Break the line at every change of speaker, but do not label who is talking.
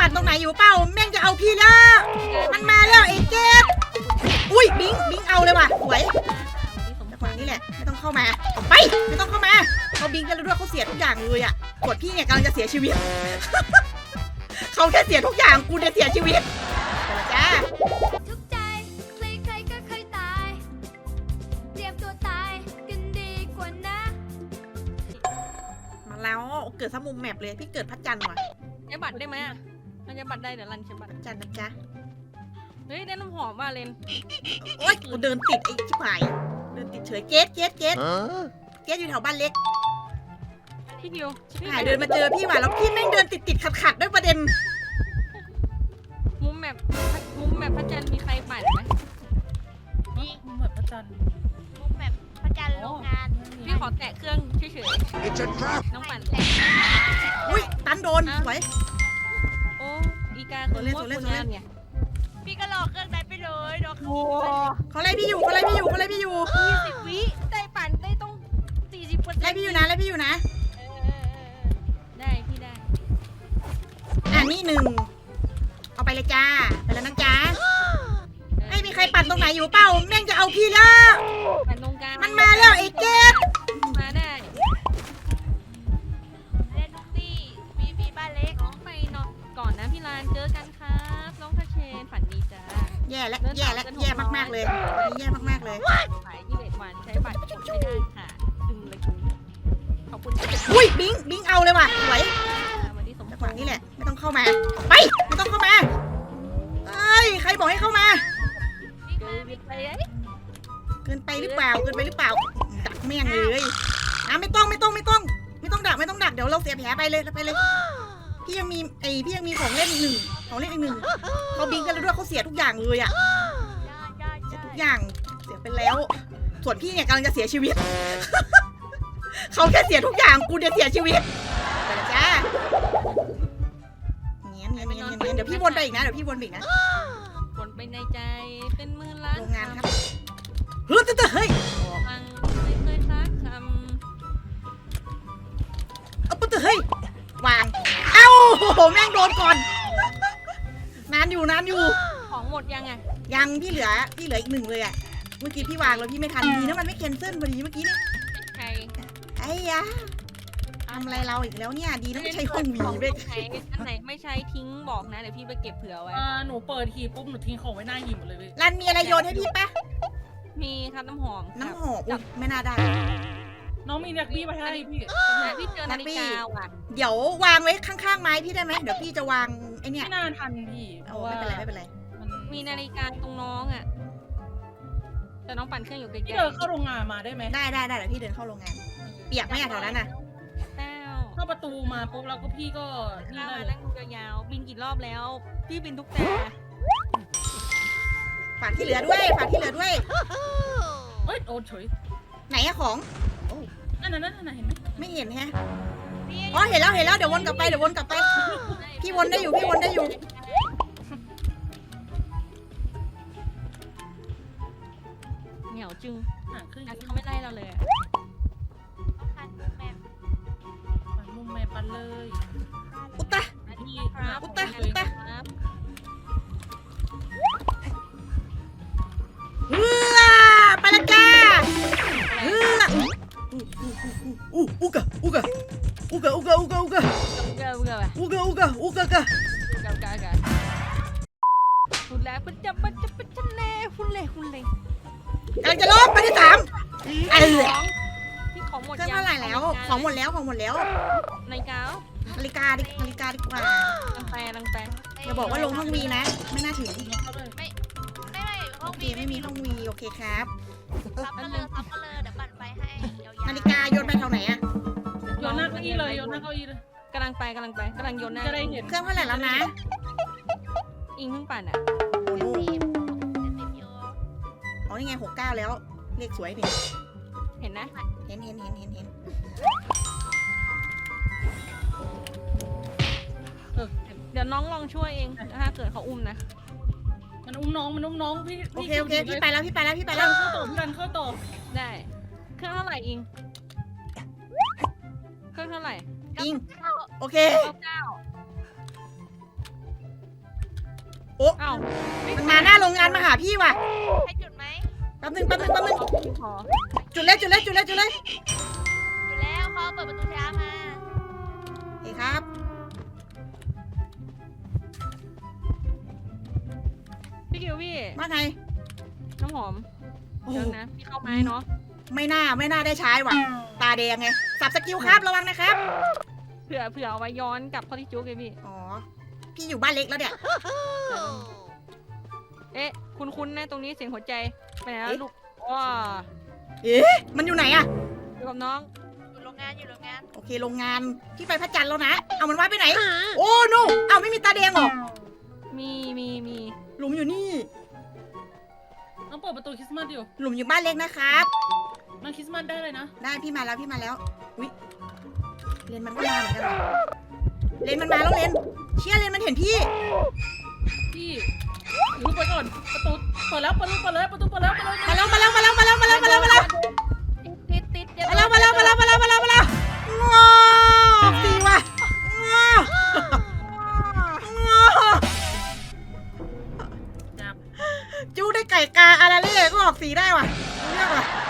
ปั่นตรงไหนอยู่เปล่าแม่งจะเอาพี่แล้วมันมาแล้วไอ้เจ็ดอุ้ยบิงเอาเลยว่ะสวยจังหวะนี้แหละไม่ต้องเข้ามาออกไปไม่ต้องเข้ามาเขาบิงกันแล้วด้วยเขาเสียทุกอย่างเลยอ่ะกดพี่เนี่ยกำลังจะเสียชีวิต เขาแค่เสียทุกอย่างกูเนี่ยเสียชีวิตไปละจ้า
ทุกใจใครๆก็เคยตายเตรียมตัวตายกันดีกว่านะ
มาแล้วเกิดซะมุมแมปเลยพี่เกิดพระจันทร์ว่ะ
ใช้บัตรได้ไหมอ่ะมันจะบัตรได้เดี๋ยวรันใช้บัตร
พระจันทร์นะจ๊ะ
เฮ้ยได้น้ำหอมว่ะเลน
โอ๊ยกูเดินติดไอ้ชิบหายเดินติดเฉยเจ๊อยู่แถวบ้านเล็ก
พี่ดิว
หายเดินมาเจอพี่ว่ะแล้วพี่แม่งเดินติดขัดด้วยประเด็น
มุมแบบพระจันทร์มีใครปั่นไหม
นี่เหมือนพระจันทร์
มุมแบบพระจันทร์โรงงาน
พี่ขอแตะเครื่องเฉย
It's a trap!
ๆน้องปั่น
อุ้ยตันโดนสวย
โอ้อีกาคือมั่วคุณงานไง
พี่ก็รอเครื่องนั้นไปเลยรอเครื่อง
โอ้
เขาไล่พี่อยู่
20 วิได้ปั่นได้ต้อง40%
ไล่พี่อยู่นะ
ได้พี่ได้
อ่ะนี่หนึ่งเอาไปเลยจ้าไปแล้วนะจ๊ะไม่มีใครปั่นตรงไหนอยู่เปล่าแม่งจะเอาพี่แล้ว
ปั่นตรงกลาง
มันมาแล้วไอ้เจ็ด
มาได้
เล่นทุกที่มีบ้านเล็ก
น้องไปนอนก่อนนะพี่ลานเจอกันครับน้องทัชเชนฝันดีจ้า
แย่มากๆเลยแย่มากๆเลย
ขาย21 วันใช้บัตรกดไม่ได้ค่ะดึงเลยคุณขอบคุณค่ะ
อุ้ยบิงเอาเลยว่ะสวย
วันที่สม
จังหวะนี้แหละไม่ต้องเข้ามาไปไม่ต้องเข้ามาเอ้ยใครบอกให้เข้ามา
เกินไปเอ้ย
เกินไปหรือเปล่าดักแม่งเลยอ่ะไม่ต้องดักเดี๋ยวเราเสียแผลไปเลยพี่ยังมีของเล่นอีกหนึ่งเขาบิงกันแล้วด้วยเขาเสียทุกอย่างเลยอ่ะเสียทุกอย่างเสียไปแล้ว ส่วนพี่เนี่ยกำลังจะเสียชีวิต เขาแค่เสียทุกอย่างกูเนี่ยเสียชีวิตไปละจ้าเงี้ยเดี๋ยวพี่วนไปอีกนะ
วนไปในใจเป็นหมื่นล้าน
โรงงานครับเฮ้ยเฮ้ย
ฟังไม่เคยซักค
เอาปุ๊บเฮ้ยวางเอ้าแม่งโดนก่อนนานอยู่
ำของหมดยังไง
ยังพี่เหลืออีกหนึ่งเลยอ่ะเมื่อกี้พี่วางแล้วพี่ไม่ทันดีนะมันไม่แคนเซิลพอดีเมื่อกี้เนี่ย
ใคร
ไอ้ยะทำอะไรเราอีกแล้วเนี่ยดีนะไม่ใช่ห้องวีเว้ย
อันไหนไม่ใช้ทิ้งบอกนะเดี๋ยวพี่ไปเก็บเผื่อไว้
หนูเปิดหีบปุ๊บหนูทิ้งของไว้หน้าหีบหมดเลยเว้ย
รันมีอะไรโยนให้พี่ปะ
มีครับน้ำหอม
น้ำหอมอุ๊ยไม่น่าได้
น้องมีนักบี้มาให้พี่
พี่เจอนาฬิกาว่ะ
เดี๋ยววางไว้ข้างๆไม้พี่ได้ไหมเดี๋ยวพี่จะวางไอ้เนี่ย
ไม่น่าทันพี่เพ
เอา
ราะว่า
ไม่เป็นไร
มีนาฬิกาตรงน้องอ่ะแต่น้องปั่นเครื่องอยู่ไกล
พี่เดินเข้าโรงงานมาได้ไหม
ได้เดี๋ยวพี่เดินเข้าโรงงานเปียกไหมอะแถวนั้นน่ะ
ๆแล้ว
เข้าประตูมาปุ๊บแล้วก็พี่ก็นี่
ข้า
ได้
มา
เลย
นั่งดูยาวๆบินกี่รอบแล้ว พี่บินทุกแต่
ฝากที่เหลือด้วย
เอ้ยโดนเฉย
ไหนอะของ
นั่นเห็นไหม
ไม่เห็นแฮะอ๋อเห็นแล้วเดี๋ยววนกลับไปพี่วนได้อยู่
เหนียวจึง
ห่างขึ้น
อันเขาไม่ไล่เราเลยอะ
ต้องการมุมแบบ
ปันมุมแม่ปันเลย
อุตตะ
พี่
ครับ
อุตตะ
ครับ
เฮือไปละจ้าเฮืออุกะ
เกลือไป
กะ
เกลือหุ่นแล้วมันจะเล่หุ่นเล่
กำลังจะลบไปที่สาม
พี่ของหมด
เครื่อง
ยัง
เท่าไหร่แล้วของหมดแล้ว
นาฬิกา
นาฬิกาดีกว่า
ลังแปล
อย่าบอกว่าลงห้องวีนะ ไม่น่าถึง
เข้าเลย
ไม่ห้
โอ
อง
เค
วี
ไม่มีห้องวีโอเคครับ
ซับกันเลยเดี๋ยวปั่นไปให้ยาวๆ
นาฬิกาโยนไปแถวไหนอะ
โยนหน้าเก้าอี้เลย
กำลังโยนหน้า
จะได้เห็น
เครื่องเท่าไหร่แล้วนะ
อิงเพิ่งปั่นอ่ะ
โอ้โห
70อยู่
อ๋อนี่ไง69แล้วเลขสวยนี่
เห็นนะ
เห็น
เดี๋ยวน้องลองช่วยเองถ้าเกิดเขาอุ้มนะ
มันอุ้มน้องพี่
โอเคพี่ไปแล้ว
เข้าต่อ
ได้เครื่องเท่าไหร่อิงเครื่องเท่าไหร่
อิงโอเค
99
โอ้
เอ้า
มันมาหน้าโรงงานมาหาพี่ว่ะ
ให้จุดไหม
แป๊บนึง
ขอ
จุดเลยจุดเลยจุดเลยจุดเลย
อยู่แล้วเขาเปิดประตูช้ามา
เฮ้ยครับ
พี่คิวพี่
ว่าไง
น้ำหอม
โอ้
เดี๋ยวนะพี่เข้าไม้เนาะ
ไม่น่าได้ใช้ว่ะ ตาแดงไง สับสกิลครับระวังนะครับ
เผื่อเอาไว้ย้อนกลับเข้าที่จุ๊กเลยพี่
อ๋อ พี่อยู่บ้านเล็กแล้วเนี่ย
เอ๊ะคุณนะตรงนี้เสียงหัวใจไปไหนแล้ว
เอ๊ะ
ลูกว้า
เอ๊ะ มันอยู่ไหนอะ
อยู่กับน้อง
อยู่โรงงานอยู่โรงงาน
โอเคโรงงาน พี่ไปพระจันทร์แล้วนะ เอามันว่าไปไหน โอ้โนเอาไม่มีตาแดงเหรอ
มี
หลุมอยู่นี่
น้องเปิดประตูคริสต์มาสอยู่
หลุมอยู่บ้านเล็กนะครับ
มันคริสต์มาสได้เลยนะ
ได้พี่มาแล้วอุ๊ยเลนมันก็มาเหมือนกันว่ะเลนมันมาแล้วเลนเชี่ยเลนมันเห็นพี่
พี่รู้ไปก่อนประตูเปิดแล้วประตูเปิดแล้วประตูเปิดแล้วเปิดแล้ว
มาแล้วมาแล้วมาแล้วมาแล้วมาแล้วมาแล้วมาแล้ว
ติดเดี๋ยว
มาแล้วมาแล้วมาแล้วมาแล้วมาแล้วมาแล้วงอสีว่ะงอ
จับ
จู้ได้ไก่กาอาราเล่ก็ออกสีได้ว่ะเรื่องว่ะ